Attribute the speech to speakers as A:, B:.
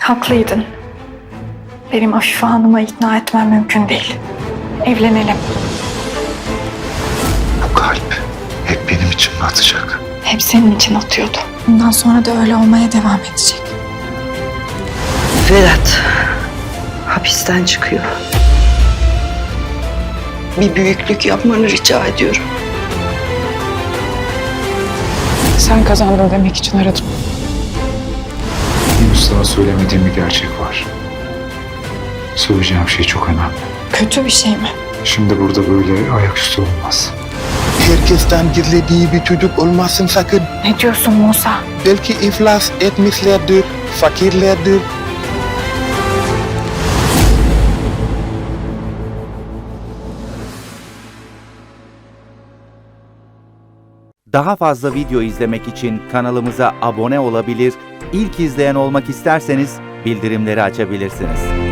A: Haklıydın. Benim Afife Hanım'ı ikna etmem mümkün değil. Evlenelim.
B: Bu kalp hep benim için mi atacak?
A: Hep senin için atıyordu. Bundan sonra da öyle olmaya devam edecek.
C: Vedat hapisten çıkıyor. Bir büyüklük yapmanı rica ediyorum.
A: Sen kazandın demek için aradım.
B: Henüz sana söylemediğim bir gerçek var. Söyleyeceğim şey çok önemli.
A: Kötü bir şey mi?
B: Şimdi burada böyle ayaküstü olmaz.
D: Herkesten gizlediği bir çocuk olmasın sakın.
A: Ne diyorsun Musa?
D: Belki iflas etmişlerdir, fakirlerdir.
E: Daha fazla video izlemek için kanalımıza abone olabilir, ilk izleyen olmak isterseniz bildirimleri açabilirsiniz.